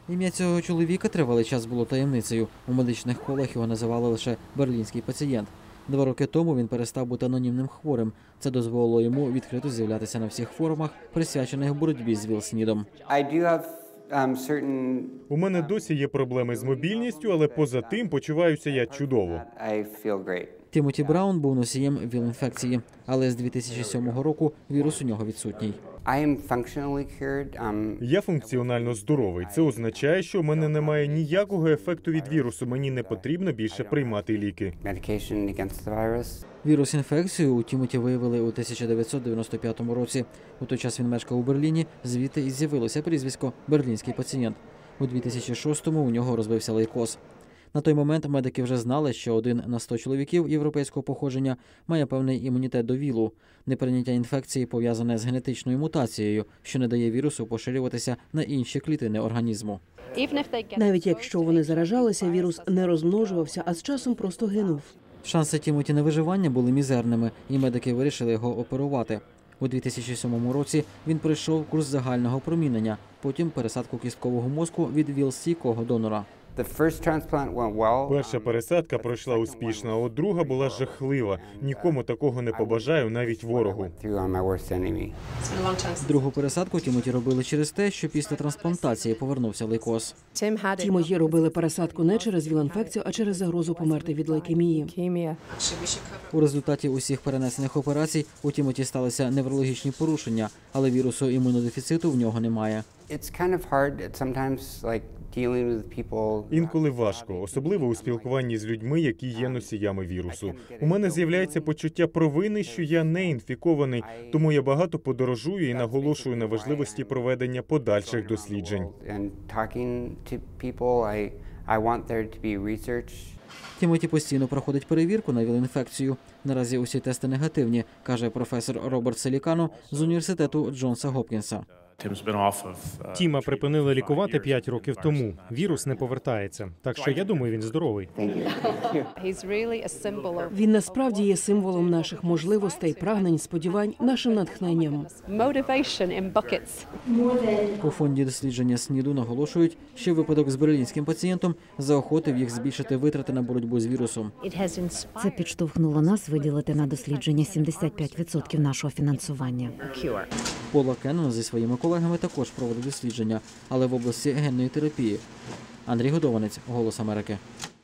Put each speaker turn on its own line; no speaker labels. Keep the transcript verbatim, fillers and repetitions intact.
Ім'я цього чоловіка тривалий час було таємницею. У медичних колах його називали лише «берлінський пацієнт». Два роки тому він перестав бути анонімним хворим. Це дозволило йому відкрито з'являтися на всіх форумах, присвячених боротьбі з ВІЛ-СНІДом.
У мене досі є проблеми з мобільністю, але поза тим почуваюся я чудово.
Тімоті Браун був носієм ВІЛ-інфекції, але з дві тисячі сьомого року вірус у нього відсутній.
Я функціонально здоровий. Це означає, що у мене немає ніякого ефекту від вірусу. Мені не потрібно більше приймати ліки.
Вірус-інфекцію у Тімоті виявили у тисяча дев'ятсот дев'яносто п'ятому році. У той час він мешкав у Берліні, звідти і з'явилося прізвисько «берлінський пацієнт». У дві тисячі шостому у нього розвився лейкоз. На той момент медики вже знали, що один на сто чоловіків європейського походження має певний імунітет до ВІЛу. Неприйняття інфекції пов'язане з генетичною мутацією, що не дає вірусу поширюватися на інші клітини організму.
Навіть якщо вони заражалися, вірус не розмножувався, а з часом просто гинув.
Шанси Тімоті на виживання були мізерними, і медики вирішили його оперувати. У дві тисячі сьомому році він пройшов курс загального промінення, потім пересадку кісткового мозку від ВІЛ-стійкого донора.
Перша пересадка пройшла успішно, а от друга була жахлива. Нікому такого не побажаю, навіть ворогу.
Другу пересадку Тімоті робили через те, що після трансплантації повернувся лейкоз.
Тімоті робили пересадку не через ВІЛ-інфекцію, а через загрозу померти від лейкемії.
У результаті усіх перенесених операцій у Тімоті сталися неврологічні порушення, але вірусу імунодефіциту в нього немає.
Інколи важко, особливо у спілкуванні з людьми, які є носіями вірусу. У мене з'являється почуття провини, що я не інфікований, тому я багато подорожую і наголошую на важливості проведення подальших досліджень.
Тімоті постійно проходить перевірку на ВІЛ-інфекцію. Наразі усі тести негативні, каже професор Роберт Селікано з університету Джонса Гопкінса.
Тіма припинили лікувати п'ять років тому. Вірус не повертається. Так що я думаю, він здоровий.
Він насправді є символом наших можливостей, прагнень, сподівань, нашим натхненням.
У фонді дослідження СНІДу наголошують, що випадок з берлінським пацієнтом заохотив їх збільшити витрати на боротьбу з вірусом.
Це підштовхнуло нас виділити на дослідження сімдесят п'ять відсотків нашого фінансування.
Пола Кеннон зі своїми колегами також проводить дослідження, але в області генної терапії. Андрій Годованець, «Голос Америки».